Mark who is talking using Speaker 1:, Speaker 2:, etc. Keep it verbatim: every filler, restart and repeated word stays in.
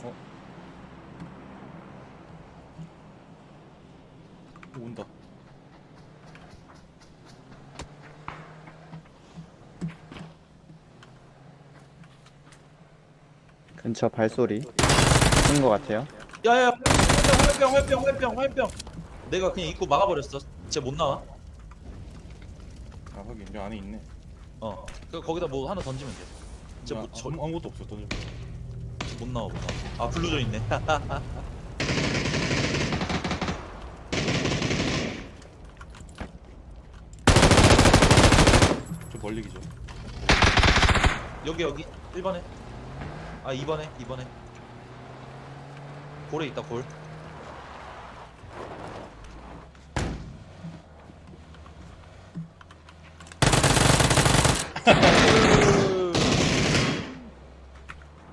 Speaker 1: 어? 온다.
Speaker 2: 근처 발소리 쓴 것 같아요.
Speaker 3: 야야 화염병 화염병 화염병 화염병. 내가 그냥 입구 막아버렸어. 쟤 못 나와.
Speaker 1: 아 하긴 저 안에 있네.
Speaker 3: 어. 그 거기다 뭐 하나 던지면 돼. 쟤
Speaker 1: 야,
Speaker 3: 못, 저,
Speaker 1: 아무, 아무것도 없어 던져.
Speaker 3: 못 나와 못 나와. 아 블루저 있네.
Speaker 1: 좀 멀리 기죠.
Speaker 3: 여기 여기 일 번에. 아 이 번에 이 번에. 골에 있다 골.